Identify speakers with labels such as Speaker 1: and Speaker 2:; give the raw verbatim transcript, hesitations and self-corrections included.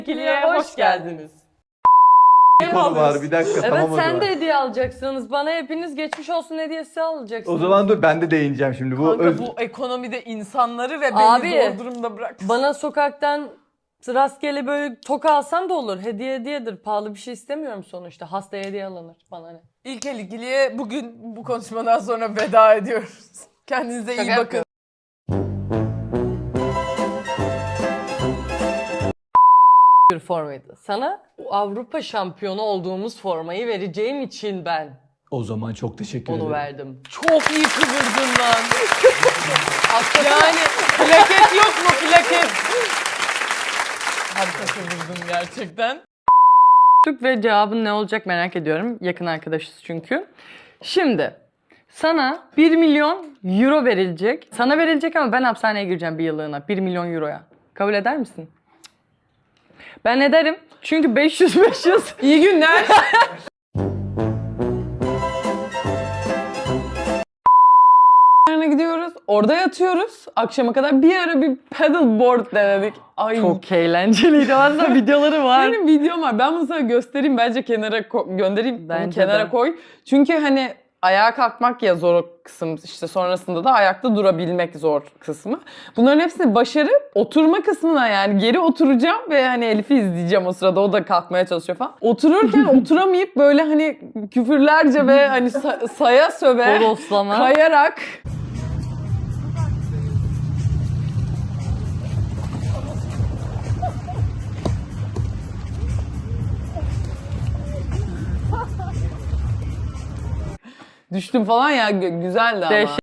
Speaker 1: İkiliye hoş geldiniz.
Speaker 2: Bir konu var bir dakika
Speaker 1: Evet,
Speaker 2: tamam o
Speaker 1: sen
Speaker 2: zaman.
Speaker 1: de hediye alacaksınız. Bana hepiniz geçmiş olsun hediyesi alacaksınız.
Speaker 2: O zaman dur ben de değineceğim şimdi. Bu
Speaker 3: Kanka
Speaker 2: öz...
Speaker 3: bu ekonomide insanları ve beni
Speaker 1: Abi,
Speaker 3: zor durumda bırak.
Speaker 1: Bana sokaktan rastgele böyle toka alsan da olur. Hediye hediyedir. Pahalı bir şey istemiyorum sonuçta. Hastaya hediye alınır. Bana ne?
Speaker 3: İlkel ikiliye bugün bu konuşmadan sonra veda ediyoruz. Kendinize iyi
Speaker 1: Şaka
Speaker 3: bakın.
Speaker 1: Bir formaydı. Sana Avrupa şampiyonu olduğumuz formayı vereceğim için ben
Speaker 2: O zaman çok teşekkür ederim.
Speaker 1: onu verdim.
Speaker 3: Çok iyi kıvırdın lan. Yani plaket yok mu plaket? Harika kıvırdın gerçekten.
Speaker 1: Ve cevabın ne olacak merak ediyorum. Yakın arkadaşız çünkü. Şimdi sana bir milyon euro verilecek. Sana verilecek ama ben hapishaneye gireceğim bir yıllığına. bir milyon euroya. Kabul eder misin? Ben ederim. Çünkü beş yüz beş yüz.
Speaker 3: İyi günler. gidiyoruz. Orada yatıyoruz. Akşama kadar bir ara bir paddleboard denedik. Ay.
Speaker 1: Çok eğlenceliydi. Aslında videoları var.
Speaker 3: Benim videom var. Ben bunu sana göstereyim. Bence kenara ko- göndereyim. Bunu
Speaker 1: Bence
Speaker 3: kenara
Speaker 1: de.
Speaker 3: koy. Çünkü hani ayağa kalkmak ya zor kısım. İşte sonrasında da ayakta durabilmek zor kısmı. Bunların hepsini başarıp oturma kısmına yani geri oturacağım ve hani Elif'i izleyeceğim o sırada. O da kalkmaya çalışıyor falan. Otururken oturamayıp böyle hani küfürlerce ve hani sa- saya söve
Speaker 1: Boroslama.
Speaker 3: kayarak düştüm falan ya, güzeldi ama.
Speaker 1: Dehşet.